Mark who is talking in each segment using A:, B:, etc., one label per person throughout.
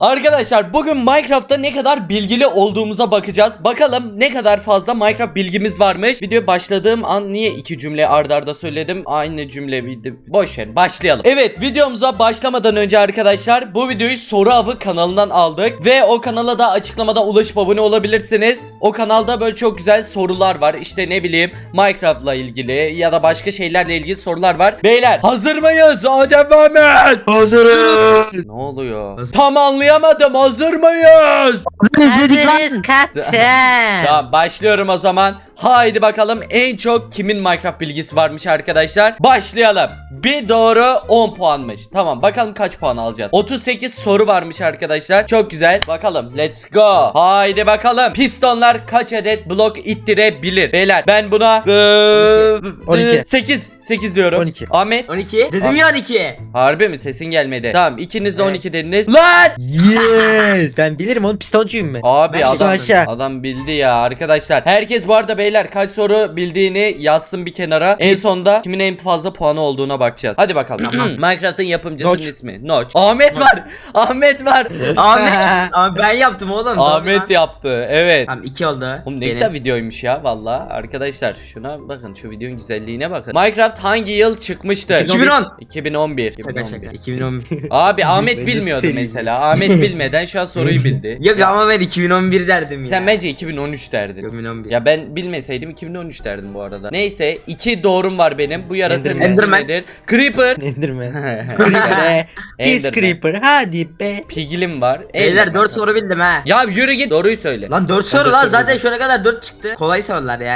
A: Arkadaşlar bugün Minecraft'ta ne kadar bilgili olduğumuza bakacağız. Bakalım ne kadar fazla Minecraft bilgimiz varmış. Video başladığım an niye iki cümle arda arda söyledim? Aynı cümle boş ver, başlayalım. Evet, videomuza başlamadan önce arkadaşlar bu videoyu Soru Avı kanalından aldık. Ve o kanala da açıklamada ulaşıp abone olabilirsiniz. O kanalda böyle çok güzel sorular var. İşte ne bileyim Minecraft'la ilgili ya da başka şeylerle ilgili sorular var. Beyler hazır mıyız? Adem ve Ahmet.
B: Hazırız.
A: Ne oluyor? Tam anlayamadım. Hazır mıyız?
C: Hazırız kaptan.
A: Tamam, başlıyorum o zaman. Haydi bakalım en çok kimin Minecraft bilgisi varmış arkadaşlar. Başlayalım. Bir doğru 10 puanmış. Tamam, bakalım kaç puan alacağız. 38 soru varmış arkadaşlar. Çok güzel. Bakalım, let's go. Haydi bakalım. Pistonlar kaç adet blok ittirebilir? Beyler ben buna
B: 12.
A: 8 diyorum.
B: 12.
A: Ahmet
C: 12. Dedim ya 12.
A: harbi mi? Sesin gelmedi. Tamam, ikiniz de
C: Evet.
A: 12 dediniz. Lan!
B: Yes. Ben bilirim oğlum, pistoncuyum ben.
A: Abi
C: Ben
A: adam
B: aşağı.
A: adam bildi ya arkadaşlar. Herkes bu arada beyler kaç soru bildiğini yazsın bir kenara. En sonda kimin en fazla puanı olduğuna bakacağız. Hadi bakalım. Minecraft'ın yapımcısının
B: Notch.
A: ismi Notch. Ahmet var. Ahmet var.
C: Abi ben yaptım oğlum.
A: Ahmet yaptı. Evet.
C: Tamam 2 oldu.
A: Oğlum ne güzel videoymuş ya valla. Arkadaşlar şuna bakın, şu videonun güzelliğine bakın. Minecraft hangi yıl çıkmıştır?
C: 2010.
A: 2011.
C: Şaka
A: 2011.
C: şaka. 2011.
A: Abi Ahmet
B: Bence
A: bilmiyordu
B: seri.
A: mesela. Ahmet bilmeden şu an soruyu bildi.
C: Yok ama ben 2011 derdim ya.
A: Sen bence 2013 derdin.
C: 2011.
A: Ya ben bilmeseydim 2013 derdim bu arada. Neyse, 2 doğrum var benim. Bu yaratığın
B: Enderman.
A: ismi
C: Enderman.
A: nedir? Creeper.
B: Enderman. Creeper. Biz
A: Enderman.
B: Creeper. Hadi be.
A: Piglin var.
C: Beyler
A: Enderman
C: 4
A: var.
C: soru bildim ha.
A: Ya yürü git, doğruyu söyle.
C: Lan 4
B: Ben
C: soru
B: dört
C: lan
B: soru
C: zaten
B: bildim.
C: şuna kadar 4 çıktı. Kolay sorular ya.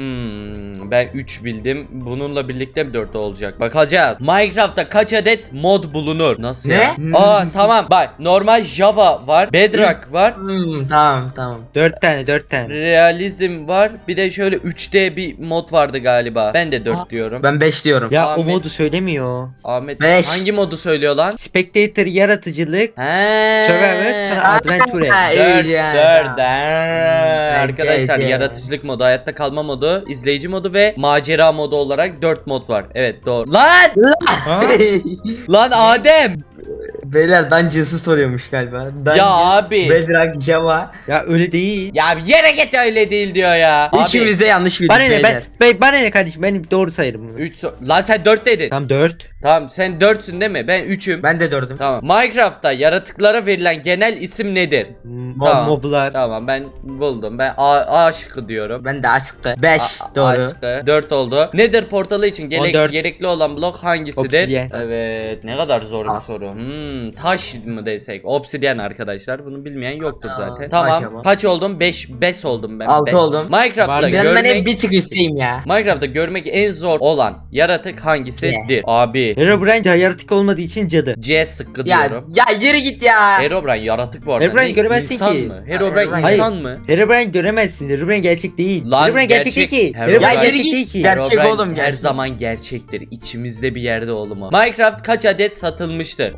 A: Ben 3 bildim. Bununla birlikte mi 4 olacak? Bakacağız. Minecraft'ta kaç adet mod bulunur? Nasıl
C: Ne?
A: ya? Aa tamam. Bak, normal Java var. Bedrock var.
C: Tamam.
B: 4 tane.
A: Realizm var. Bir de şöyle 3D bir mod vardı galiba. Ben de 4
B: Aa.
A: diyorum.
C: Ben 5 diyorum.
B: Ya
A: Ahmet.
B: o modu söylemiyor.
A: Ahmet
C: Beş.
A: hangi modu söylüyor lan?
B: Spectator yaratıcılık.
A: He.
B: Survivor sonra Adventure.
C: Ha,
A: Dört,
C: iyi ya.
A: dört.
C: Hmm,
A: Arkadaşlar
C: bence.
A: yaratıcılık modu, hayatta kalma modu, izleyici modu ve macera modu olarak 4 mod var. Evet, doğru. Lan!
B: Ha?
A: Lan Adem!
C: Beyler Dungeons'ı soruyormuş galiba.
A: Ya abi.
C: Bedrock, Java.
B: Ya öyle değil.
A: Ya bir yere git, öyle değil diyor ya. Abi
C: İkimiz de yanlış bildik
B: Bana ne
C: beyler.
B: bana ne kardeşim, ben doğru sayarım bunu.
A: 3 lan sen 4 dedin.
B: Tam 4.
A: Tamam, sen 4'sün değil mi? Ben 3'üm.
C: Ben de 4'üm.
A: Tamam. Minecraft'ta yaratıklara verilen genel isim nedir? Tamam.
B: Moblar.
A: Tamam, ben buldum. Ben A şıkkı diyorum.
C: Ben de aşkı. 5
A: A
C: doğru.
A: şıkkı. 4 oldu. Nether portalı için
B: 14.
A: gerekli olan blok hangisidir?
B: Obsidian.
A: Evet, ne kadar zor bir
C: As.
A: soru. Taş mı desek? Obsidian arkadaşlar. Bunu bilmeyen yoktur
C: Aa,
A: zaten. Tamam.
C: acaba?
A: Kaç oldum? 5 oldum ben.
C: 6
A: Beş.
C: oldum.
A: Minecraft'ta
B: Var.
C: Benden hep
A: görmek
C: bir tık üstteyim ya.
A: Minecraft'ta görmek en zor olan yaratık hangisidir? Abi
B: Herobrine yaratık olmadığı için cadı.
A: C sıkkı
C: Ya
A: diyorum.
C: ya yürü git ya.
A: Herobrine yaratık bu arada.
B: Herobrine
A: Ne,
B: göremezsin
A: insan
B: ki.
A: mı? Herobrine
C: Hayır.
A: insan mı?
B: Herobrine göremezsin. Herobrine gerçek değil.
A: Lan
B: Herobrine gerçek değil
A: gerçek.
B: ki.
A: Herobrine-
B: Herobrine
A: Ya
B: gerçek
C: yürü git.
B: değil ki.
C: Gerçek
A: Herobrine
C: oğlum,
A: her
C: gerçek.
A: zaman gerçektir. İçimizde bir yerde oğlum o. Minecraft kaç adet satılmıştır?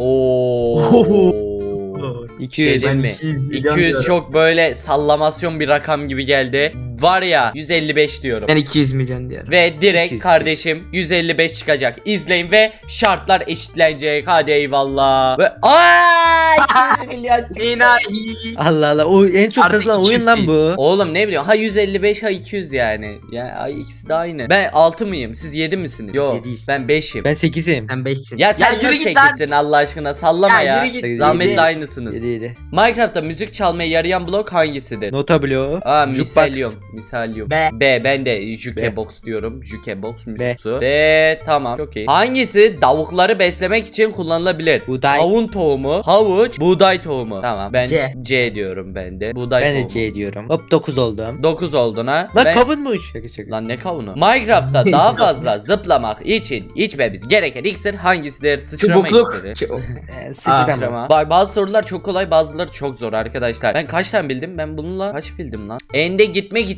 A: Oo.
B: 200.
A: Şey değil mi?
C: 200 milyon
A: 200
C: diyorum.
A: çok böyle sallamasyon bir rakam gibi geldi. Var ya 155 diyorum.
C: Ben 200 milyon diyorum.
A: Ve direkt
B: 200.
A: kardeşim 155 çıkacak. İzleyin ve şartlar eşitlenecek. Hadi eyvallah. Ve ay 200 milyon çıktı.
C: İnahi.
B: Allah Allah, o en çok
C: Artık
B: satılan
C: 200
B: oyun lan
C: değil.
B: bu.
A: Oğlum ne biliyorum, ha 155 ha 200 yani. Ya ay, ikisi de aynı. Ben 6 mıyım? Siz 7 misiniz? Yok,
C: yediyiz.
A: ben 5'im.
B: Ben 8'im.
C: Sen 5'sin.
A: Ya sen
C: yürü
A: nasıl
C: git lan.
A: 8'sin Allah aşkına, sallama
C: Ya
A: ya.
C: yürü git.
B: Yedi.
A: Zahmetle aynısınız.
B: 7.
A: Minecraft'ta müzik çalmaya yarayan blok hangisidir?
B: Nota bloğu.
A: Aa,
B: Jukebox.
A: misalyum.
C: B.
A: Ben de jukebox diyorum. Jukebox müzik su.
B: B.
A: B tamam, çok iyi. Hangisi tavukları beslemek için kullanılabilir?
B: Buğday.
A: Kavun tohumu, havuç, buğday tohumu. Tamam, ben
C: C.
A: C diyorum ben de. Buğday
B: Ben de
A: tohumu.
B: C diyorum. Hop 9 oldum.
A: 9 oldun ha.
B: Lan
A: Ben-
B: kavunmuş. Şaka şaka.
A: Lan ne kavunu? Minecraft'ta daha fazla zıplamak için içmemiz gereken iksir hangisidir? Sıçrama
C: Çubukluk.
A: iksiri.
B: Sıçrama.
A: Sıçrama. Bak, bazı sorular çok kolay, bazıları çok zor arkadaşlar. Ben kaç tane bildim? Ben bununla kaç bildim lan? Ende gitmek için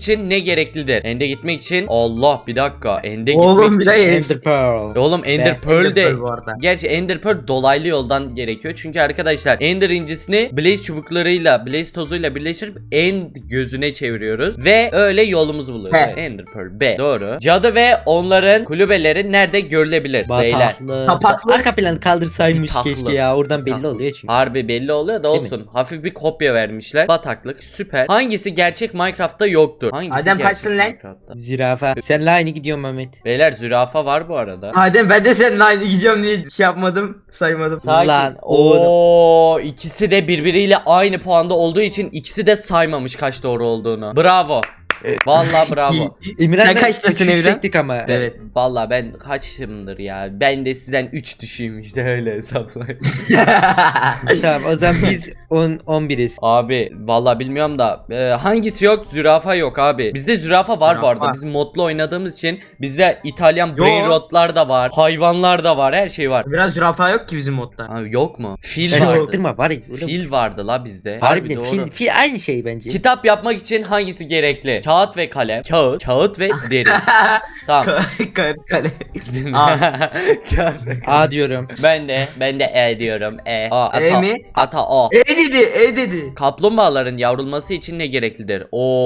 A: için ne gereklidir? Ende gitmek için Allah bir dakika. Ende
C: Oğlum bir
A: gitmek için.
C: de
B: Ender Pearl.
A: Oğlum Ender
B: Be-
A: Pearl de
C: Ender Pearl bu arada.
A: gerçi Ender Pearl dolaylı yoldan gerekiyor. Çünkü arkadaşlar Ender incisini Blaze çubuklarıyla, Blaze tozuyla birleştirip End gözüne çeviriyoruz ve öyle yolumuzu buluyoruz.
C: He.
A: Ender Pearl B. Doğru. Cadı ve onların kulübeleri nerede görülebilir beyler?
B: Bataklık.
C: Kapaklı.
B: Arka planı kaldırsaymış
A: Bataklık.
B: keşke ya. Oradan belli
A: Bataklık.
B: oluyor çünkü.
A: Harbi belli oluyor da
B: Değil mi?
A: olsun. Hafif bir kopya vermişler. Bataklık süper. Hangisi gerçek Minecraft'ta yoktur? Hangisi
C: Adem
A: gerçek
C: kaçsın lan?
A: Minecraft'ta?
B: Zürafa. Senle aynı gidiyorum Mehmet.
A: Beyler zürafa var bu arada.
C: Adem ben de seninle aynı gidiyorum diye şey yapmadım, saymadım.
A: Sakin.
B: Lan oğlum.
A: Oo, ikisi de birbiriyle aynı puanda olduğu için ikisi de saymamış kaç doğru olduğunu. Bravo. Vallahi bravo.
B: Emirhan'la
C: Sen kaçtasın
B: üç
C: Emirhan?
B: yüksektik ama.
C: Evet.
A: Vallahi ben kaçımdır ya. Ben de sizden 3 düşüyüm işte öyle hesaplayın.
B: Tamam o zaman biz 11'iz.
A: Abi vallahi bilmiyorum da hangisi yok? Zürafa yok abi. Bizde zürafa var bu arada.
C: Zürafa.
A: Biz modlu oynadığımız için bizde İtalyan
C: Yo.
A: brain rotlar da var. Hayvanlar da var. Her şey var.
C: Biraz zürafa yok ki bizim modda.
A: Abi yok mu? Fil
B: Sen
A: vardı.
B: çaktırma var ya. oğlum.
A: Fil vardı la bizde.
B: Harbiden
A: doğru.
B: fil aynı şey bence.
A: Kitap yapmak için hangisi gerekli? Kağıt ve kalem. Kağıt ve deri. Tamam.
C: Kale.
A: Kağıt ve
B: A diyorum.
A: Ben de E diyorum. Ata,
C: mi?
A: Ata O.
C: E dedi.
A: Kaplumbağaların yavrulması için ne gereklidir?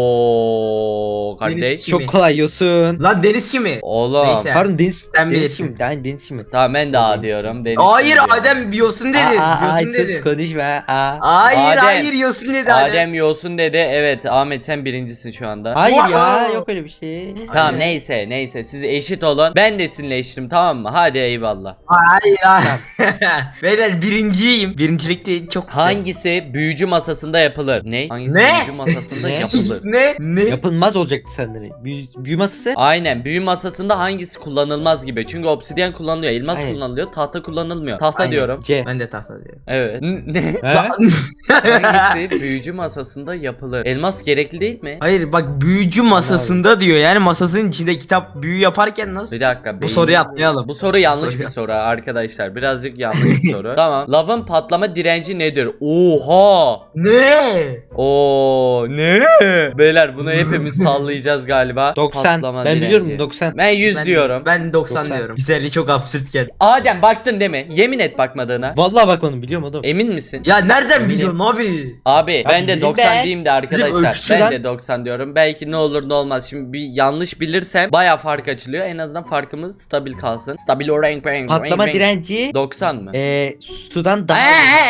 A: Oo kardeş.
C: Deniz kimi?
B: Çok kolay yosun.
C: Lan deniz kimi?
A: Oğlum.
C: Neyse.
B: Pardon deniz.
C: Sen
B: Deniz
C: bilirsin.
B: şimdi. Aynı deniz şimdi.
A: Tamam ben de A diyorum. Deniz
C: Hayır
A: diyorum.
C: Adem yosun dedi. Yosun
B: sus
C: dedi.
B: konuşma.
C: Hayır
A: Adem.
C: hayır yosun dedi Adem.
A: Adem yosun dedi. Evet Ahmet sen birincisin şu anda.
B: Hayır ya
C: Wow.
B: yok öyle bir şey.
A: Tamam
C: Aynen.
A: neyse siz eşit olun. Ben de sizinle eşitim tamam mı? Hadi eyvallah.
C: Hayır hayır. Beyler birinciyim. Birincilikte çok güzel.
A: Hangisi büyücü masasında yapılır? Ne? Hangisi
C: Ne?
A: büyücü masasında
B: Ne?
A: yapılır?
C: Ne?
B: Yapılmaz olacaktı sanırım. Büyü masası.
A: Aynen büyü masasında hangisi kullanılmaz gibi. Çünkü obsidyen kullanılıyor, elmas
B: Aynen.
A: kullanılıyor, tahta kullanılmıyor. Tahta
C: Aynen.
A: diyorum.
B: C.
C: Ben de tahta diyorum.
A: Evet. Ne?
B: He?
A: Hangisi büyücü masasında yapılır? Elmas gerekli değil mi?
C: Hayır bak büyücü masasında diyor. Yani masasının içinde kitap büyü yaparken nasıl?
A: Bir dakika.
C: Bu soruyu atlayalım.
A: Bu soru yanlış
C: soruyu
A: bir soru arkadaşlar. Birazcık yanlış bir soru. Tamam. Lavın patlama direnci nedir? Oha!
C: Ne?
A: Oo ne? Beyler bunu hepimiz sallayacağız galiba.
B: 90.
A: Patlama
B: Ben biliyorum
A: direnci.
B: 90.
A: Ben 100 diyorum.
C: Ben 90
B: 90.
C: diyorum. Güzelliği çok absürt geldi.
A: Adem baktın değil mi? Yemin et bakmadığına.
B: Vallahi bakmadım biliyorum oğlum.
A: Emin misin?
C: Ya nereden
A: Eminim.
C: biliyorsun abi?
A: Abi ben de
B: bildim
A: 90
B: ben.
A: diyeyim de arkadaşlar.
C: ölçüsü
A: Ben
C: lan.
A: de 90 diyorum. Belki ne olur ne olmaz. Şimdi bir yanlış bilirsem baya fark açılıyor. En azından farkımız stabil kalsın. Stabil o renk.
B: Patlama direnci
A: 90 mı?
B: sudan daha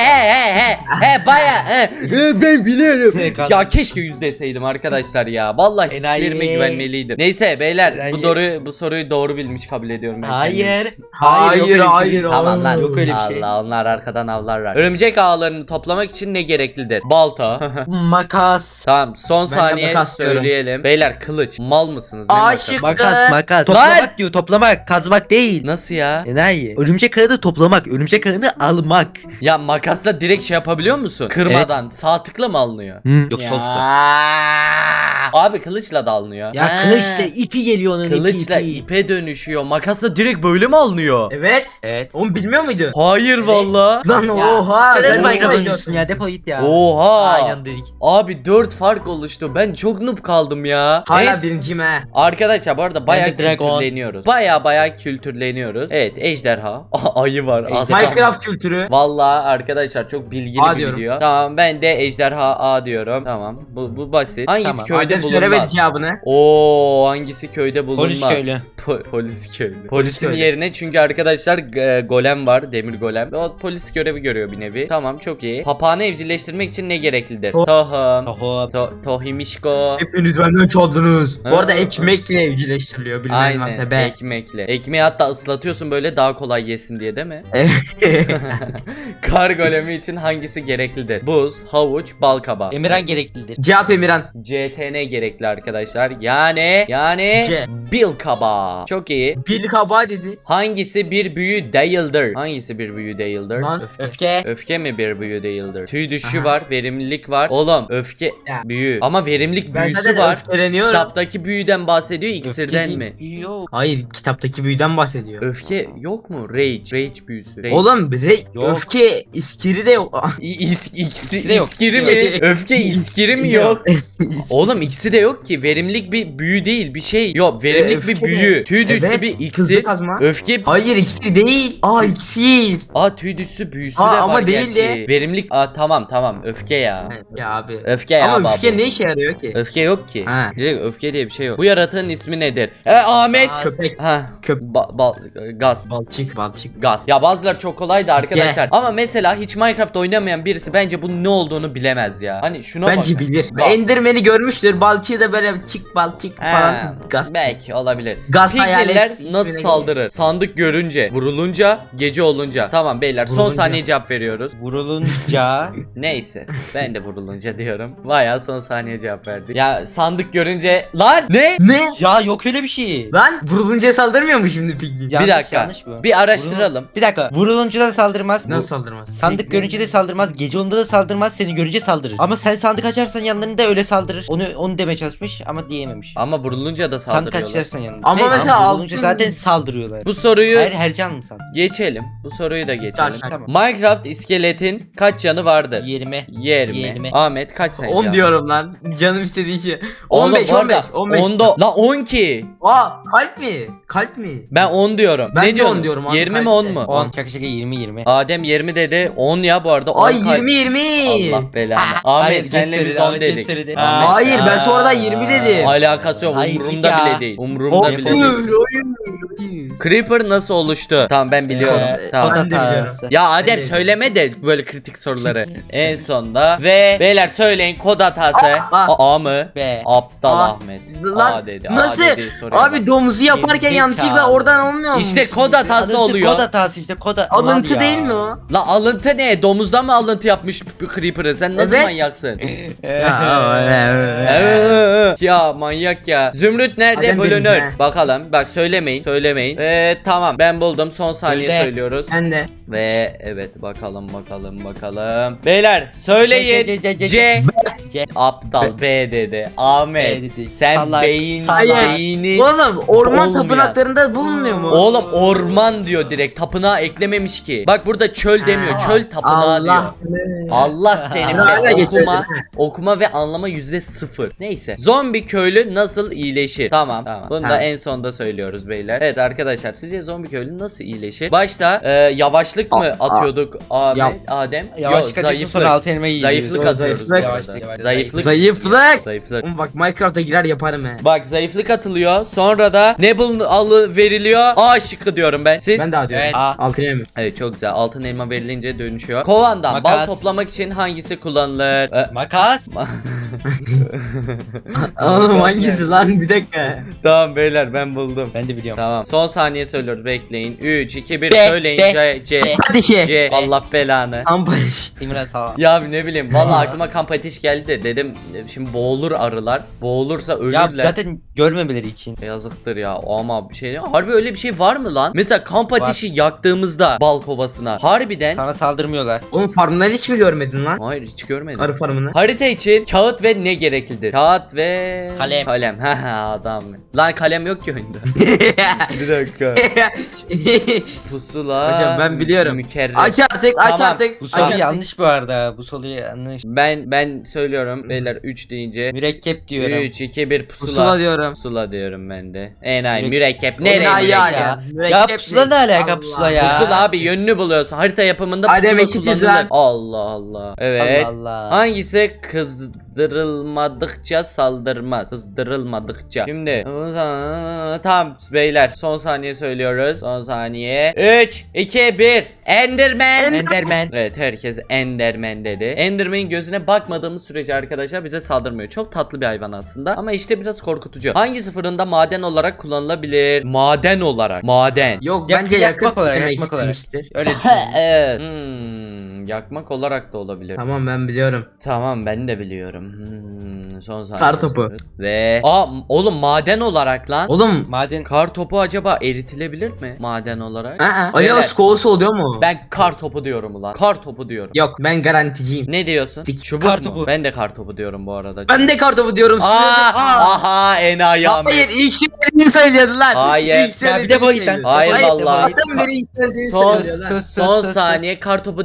A: He baya
B: ben biliyorum.
A: Ya keşke 100 deseydim arkadaşlar ya. Vallahi
B: Enayi.
A: hislerime güvenmeliydim. Neyse beyler
B: Enayi.
A: bu soruyu doğru bilmiş kabul ediyorum ben.
B: Hayır.
A: kendim.
C: Hayır,
B: yok öyle bir şey.
C: hayır,
A: Aman lan.
B: Yok öyle bir şey.
A: Allah onlar arkadan avlarlar. Örümcek ağlarını toplamak için ne gereklidir? Balta.
B: Makas.
A: Tamam son
C: Ben de
A: saniye
C: makas diyorum.
A: söyleyelim. Beyler kılıç. Mal mısınız? Ne
C: Aşık.
A: makası?
B: Makas.
A: Lan!
B: Toplamak diyor. Toplamak. Kazmak değil.
A: Nasıl ya?
B: Enayi. Örümcek ağını toplamak. Örümcek ağını almak.
A: Ya makasla direkt şey yapabiliyor musun? Kırmadan. Sağ tıkla mı alınıyor?
B: Yok
A: Ya.
B: sol tıkla.
A: Abi kılıçla da alınıyor.
B: Ya
A: Ha.
B: kılıçla ipi geliyor onun
A: Kılıçla
B: ipi.
A: ipe dönüşüyor. Makasla direkt böyle mi alınıyor?
C: Evet.
B: Evet.
C: Onu bilmiyor muydu?
A: Hayır valla.
C: Lan
B: Ya,
C: oha.
B: Sen
C: ben
B: nasıl
C: de
B: Minecraft
C: öyle
B: oynuyorsun ya? Defol git ya.
A: Oha.
B: Aynen dedik.
A: Abi 4 fark oluştu. Ben çok noob kaldım ya.
C: Hala
A: Evet.
C: birinciyim he.
A: Arkadaşlar bu arada bayağı
B: Ben de Dragon.
A: kültürleniyoruz. Bayağı kültürleniyoruz. Evet ejderha. Ayı var.
B: Ejderha.
A: aslan.
C: Minecraft kültürü.
A: Vallahi arkadaşlar çok bilgili
C: A
A: bir
C: diyorum.
A: video. Tamam ben de ejderha A diyorum. Tamam bu basit. Hangisi
B: Tamam.
A: köyde
C: Adem söylemedi
A: bulunmaz?
C: cevabını.
A: Oo hangisi köyde bulunmaz?
B: Polis köylü.
A: Polis köylü. Polisin
C: köylü.
A: yerine çünkü arkadaşlar golem var, demir golem. O polis görevi görüyor bir nevi. Tamam çok iyi. Papağanı evcilleştirmek için ne gereklidir?
C: To-
A: Tohum.
B: Oho.
A: Tohimişko.
C: Hepiniz benden çaldınız.
A: Ha.
C: Bu arada ekmekle evcilleştiriliyor. Bilmeyen varsa
A: Aynen
C: ben.
A: ekmekle. Ekmeği hatta ıslatıyorsun böyle daha kolay yesin diye değil mi? Kar golemi için hangisi gereklidir? Buz, havuç, bal kabağı.
B: Emirhan gereklidir.
C: Cevap Emirhan.
A: CTN gerekli arkadaşlar. Yani
C: C.
A: bil kabağı. Çok iyi.
C: Bil kabağı dedi.
A: Hangisi bir büyü değildir? Hangisi bir büyü değildir?
C: Lan
B: Öfke.
A: Öfke mi bir büyü değildir? Tüy düşü
C: Aha.
A: var, verimlilik var. Oğlum öfke
C: Ya.
A: büyü. Ama verimlilik
C: Ben
A: büyüsü
C: zaten
A: var.
C: öfkeleniyorum.
A: Kitaptaki büyüden bahsediyor, iksirden mi?
B: Yok.
C: Hayır kitaptaki büyüden bahsediyor.
A: Öfke yok mu? Rage büyüsü. Rage.
C: Oğlum bir de
B: Yok.
C: öfke iskiri de yok.
A: İkisi
B: de yok.
A: iskiri mi? Öfke iskiri mi yok? Oğlum ikisi de yok ki. Verimlilik bir büyü değil, bir şey. Yok, verimlilik bir
C: Öfke
A: büyü.
C: de.
A: Tüy düşsü
C: Evet,
A: bir
C: hızlı
A: iksir.
C: kazma.
A: Öfke.
C: Hayır iksir değil. İksir.
A: Tüy düşsü büyüsü
C: Aa,
A: de
C: ama
A: var
C: değil
A: gerçi.
C: de.
A: Verimlilik. Tamam öfke ya.
C: Ya abi.
A: Öfke ya
C: Ama
A: babu.
C: öfke ne işe yarıyor ki?
A: Öfke yok ki.
C: Ha.
A: Direkt öfke diye bir şey yok. Bu yaratığın ismi nedir? Ahmet.
C: Köpek.
A: Ha. Gaz.
C: Balçık.
A: Gaz. Ya bazıları çok kolaydı arkadaşlar. Ama mesela hiç Minecraft oynamayan birisi bence bunun ne olduğunu bilemez ya. Hani şuna bak.
C: Bence bilir.
A: Gaz.
C: Enderman'i görmüştür. Balçığı da böyle balçık
A: Ha,
C: falan. Gaz.
A: belki olabilir.
C: Gaz
A: Piglinler
C: hayalet
A: nasıl
C: ismine
A: saldırır? Sandık görünce, vurulunca, gece olunca. Tamam beyler son
C: Vurulunca.
A: saniye cevap veriyoruz.
B: Vurulunca.
A: Neyse ben de vurulunca diyorum. Bayağı son saniye cevap verdik. Ya sandık görünce lan ne?
C: Ne?
B: Ya yok öyle bir şey.
C: Lan vurulunca saldırmıyor mu şimdi Piglin?
B: Yanlış,
A: bir dakika.
B: yanlış bu.
A: Bir araştıralım.
B: Bir dakika. Vurulunca da saldırmaz.
C: Nasıl saldırmaz?
B: Sandık görünce de saldırmaz, gece onda da saldırmaz, seni görünce saldırır. Ama sen sandık açarsan yanlarında öyle saldırır. Onu demeye çalışmış ama diyememiş.
A: Ama vurulunca da
B: Sandık
A: saldırıyorlar.
B: açarsan yanında.
C: Ama mesela
B: vurulunca
C: altın-
B: zaten saldırıyorlar.
A: Bu soruyu
B: Hayır, her canlı saldırıyor.
A: geçelim. Bu soruyu da geçelim.
B: Tamam.
A: Minecraft iskeletin kaç canı vardır?
B: 20.
A: 20.
B: 20.
A: Ahmet kaç sence?
C: 10 diyorum lan. Canım istediği şey.
A: Oğlum,
C: 15
A: bu arada
C: 15.
A: 10'da la 10 ki.
C: Aa kalp mi? Kalp mi?
A: Ben 10 diyorum.
C: Ben
A: ne
C: de
A: diyorsun?
C: 10 diyorum abi,
A: 20 mi
C: kalp
A: 10
C: de.
A: mu?
B: 10. Şaka 20.
A: Adem 20 dedi. 10 ya bu arada. 10
C: Ay
A: kalp-
C: 20.
A: Allah belanı. Ahmet senle biz 10 dedik. Ahmet-
C: Hayır ben sonradan 20 dedim.
A: Alakası yok.
B: Hayır,
A: Umurumda
B: ya.
A: bile değil. Umurumda bile değil.
C: Hayır.
A: Creeper nasıl oluştu? Tamam ben biliyorum. Tamam.
C: Ben de biliyorum.
A: Ya Adem
C: Ben de
A: söyleme de böyle kritik soruları. En sonda ve beyler söyleyin kod hatası. A mı?
B: B.
A: Aptal
C: A.
A: Ahmet.
C: Lan
A: A dedi.
C: nasıl?
A: A dedi soruya
C: Abi
A: bak.
C: domuzu yaparken
B: Gerizekalı.
C: yanlışlıkla oradan olmuyor mu?
A: İşte kod hatası oluyor.
B: Kod hatası işte kod
C: Alıntı
B: ya.
C: değil mi o?
A: La alıntı ne? Domuzdan mı alıntı yapmış bu Creeper'ı? Sen nasıl
C: Evet.
A: manyaksın?
C: Evet.
A: Ya manyak ya. Zümrüt nerede?
C: Adem
A: Bölünür.
C: benim, he.
A: Bakalım. Bak söylemeyin. Tamam ben buldum. Son saniye
B: Öyle.
A: söylüyoruz.
C: Ben de.
A: Ve evet bakalım. Beyler söyleyin. C.
B: C.
A: Aptal B dedi. Ahmet.
B: B dedi.
A: Sen
B: Salak, salak.
A: beyni.
C: Oğlum orman
A: Olmayan.
C: tapınaklarında bulunmuyor mu?
A: Oğlum orman diyor direkt. Tapınağı eklememiş ki. Bak burada çöl demiyor. Çöl tapınağı diyor. Allah senin
C: Hala
A: be.
C: geçelim.
A: Okuma ve anlama %0. Neyse. Zombi köylü nasıl iyileşir? Tamam. Bunu da
C: Tamam.
A: en sonda söylüyoruz beyler. Evet arkadaşlar sizce zombi köylü nasıl iyileşir? Başta yavaşlık mı atıyorduk
C: Yap.
A: Adem?
B: Yavaş
A: Yok,
B: kaçıyorsun sonra altı elmayı yiyorsun.
A: Zayıflık
C: Zayıflık.
A: atıyoruz bu arada.
B: Yavaşlık.
A: Zayıflık.
C: Zayıflık.
A: Zayıflık.
C: Oğlum bak Minecraft'a girer yaparım he.
A: Bak zayıflık atılıyor. Sonra da ne alı veriliyor? A şıkkı diyorum ben. Siz?
C: Ben daha diyorum.
B: Evet.
C: Altın mi?
A: Evet çok güzel. Altın elma verilince dönüşüyor. Kovandan bal
B: Makas.
A: toplamak için hangisi kullanılır?
B: Makas.
C: Oğlum hangisi lan bir dakika.
A: Tamam beyler ben buldum.
B: Ben de biliyorum.
A: Tamam. Son saniye söylüyoruz. Bekleyin. 3 2 1
B: B,
A: söyleyin.
B: B,
A: C.
B: B.
C: Hadi şey.
A: C. Allah belanı.
C: Ampariş.
B: İmran sağ ol.
A: Ya ne bileyim. Vallahi aklıma kamp ateş geldi de dedim şimdi boğulur arılar. Boğulursa
B: Ya
A: ölürler.
B: zaten görmemeleri için.
A: Yazıktır ya ama bir şey harbi öyle bir şey var mı lan? Mesela kamp ateşi yaktığımızda bal kovasına harbiden
B: Sana saldırmıyorlar.
C: Oğlum farmları hiç mi görmedin lan?
A: hayır hiç görmedim.
C: Arı farmını.
A: Harita için kağıt ve ne gereklidir? Kağıt ve
B: Kalem.
A: Kalem. Haha adam. Lan kalem yok ki oyunda. Bir dakika. Pusula.
C: Hocam ben biliyorum.
A: Mükerrer.
C: Aç artık aç
A: Tamam.
C: artık.
B: Bu
C: Aç
B: soru
C: artık.
B: yanlış bu arada. Bu soru yanlış.
A: Ben söylüyorum beyler 3 deyince
B: Mürekkep diyorum.
A: 3 2 1 pusula.
C: Pusula diyorum.
A: Pusula diyorum ben de. Enayi
B: Mürek-
A: mürekkep nereye
C: Enayi
A: mürekkep?
C: ya.
B: Ya pusula ne alaka pusula ya?
A: Pusula abi yönünü buluyorsun. Harita yapımında
C: Adem
A: pusula
C: eşitiz
A: kullanılır.
C: lan.
A: Allah Allah. Evet.
B: Allah Allah.
A: Hangisi kızdırılmadıkça saldırmaz? Kızdırılmadıkça. Şimdi tamam beyler son saniye söylüyoruz. Son saniye. 3 2 1 Enderman.
B: Enderman.
A: Evet herkes Enderman dedi. Enderman'in gözüne bakmadığımız sürece arkadaşlar bize saldırmıyor. Çok tatlı bir hayvan aslında ama işte biraz korkutucu. Hangisi fırında maden olarak kullanılabilir? Maden olarak. Maden.
C: Yok
B: Yak-
C: bence
B: yakmak
C: yakın
B: olarak,
C: demek
B: yakmak olarak.
C: istemiştir.
B: Öyle düşünüyorum.
A: Evet. Yakmak olarak da olabilir.
C: Tamam ben biliyorum.
A: Tamam ben de biliyorum. Son saniye.
C: Kar topu.
A: söylüyoruz. Ve oğlum maden olarak lan.
C: Oğlum.
B: Maden.
A: Kar topu acaba eritilebilir mi maden olarak?
C: Alo
A: Beyler,
C: skolası oluyor mu?
A: ben kar topu diyorum ulan. Kar topu diyorum.
C: Yok ben garanticiyim.
A: Ne diyorsun?
C: Dik.
A: Çubuk
B: Kar
A: mu?
B: topu.
A: Ben de kar topu diyorum bu arada.
C: Ben de kartopu diyorum.
A: Aha enayi Ahmet.
C: Hayır ilk söylediğini söylüyordu lan.
A: Hayır.
C: İlk söylediğini
B: Ya bir defol git lan.
C: söylüyordu.
A: Hayır vallahi.
C: Zaten beri ilk söylediğini
A: Son-
C: söylüyor lan.
B: Sus, sus,
A: Son
B: sus,
A: saniye kar topu demedin mi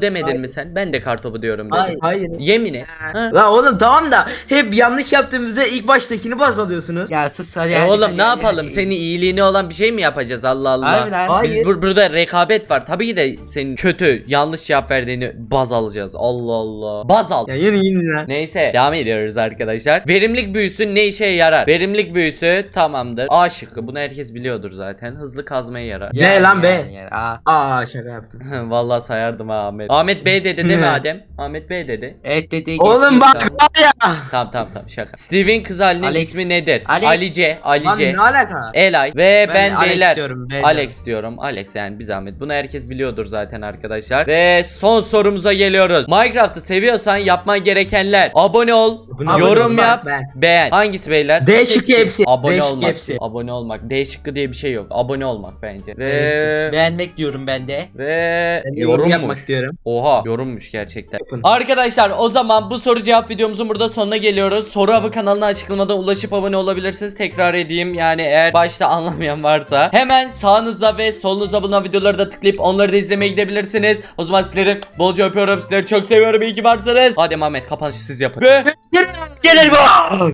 A: mi sen? Ben de kartopu diyorum dedim.
C: Hayır. Hayır.
A: Yemin et. Ha?
C: La oğlum tamam da hep yanlış yaptığımızda ilk baştakini baz alıyorsunuz.
B: Ya sus hadi.
A: Oğlum ne yapalım? Senin iyiliğine olan bir şey mi yapacağız? Allah Allah.
B: Harbiden.
C: Hayır.
A: Biz burada rekabet var. Tabii ki de senin kötü, yanlış cevap verdiğini baz alacağız. Allah Allah. Baz al.
C: Ya yine lan.
A: Neyse devam ediyoruz arkadaşlar. Verimlilik büyüsü ne işe yarar? Verimlilik büyüsü tamamdır. A şıkkı. Bunu herkes biliyordur zaten. Hızlı kazmaya yarar.
C: Ne lan be?
B: Aa.
C: Aa şaka yaptım.
A: Vallahi sayardım ha Ahmet. Ahmet B dedi değil mi Adem? Ahmet B dedi.
B: Evet dedi.
C: Oğlum bak var ya.
A: Tamam şaka. Steve'in kız halinin
B: Alex.
A: ismi nedir?
B: Alex.
A: Alice.
C: Lan ne alaka?
A: Elay ve ben
C: Alex
A: beyler.
C: diyorum, ben
A: Alex diyorum. Alex yani bir zahmet. Bunu herkes biliyordur zaten arkadaşlar. Ve son sorumuza geliyoruz. Minecraft'ı seviyorsan yapman gerekenler. Abone ol,
C: Abone
A: yorum
C: ol,
A: yap,
C: ben.
A: beğen. Hangisi beyler?
C: D şıkkı hepsi.
A: Abone
C: D şıkkı
A: olmak.
C: hepsi.
A: Abone olmak. D şıkkı diye bir şey yok. Abone olmak bence.
B: Hepsi.
A: Ve
B: Beğenmek diyorum ben de.
C: Ben de yorum yapmak
A: yorummuş.
C: diyorum.
A: Oha yorummuş gerçekten.
C: Yapın.
A: Arkadaşlar o zaman bu soru cevap videomuzun burada sonuna geliyoruz. Soru avı kanalına açıklamada ulaşıp abone olabilirsiniz. Tekrar edeyim yani eğer başta anlamayan varsa. Hemen sağınızda ve solunuzda bulunan videoları da tıklayıp onları da izlemeye gidebilirsiniz. O zaman sizleri bolca öpüyorum. Sizleri çok seviyorum. İyi ki varsınız. Hadi Mehmet kapanışı siz yapın. Ve
B: Gelir bu.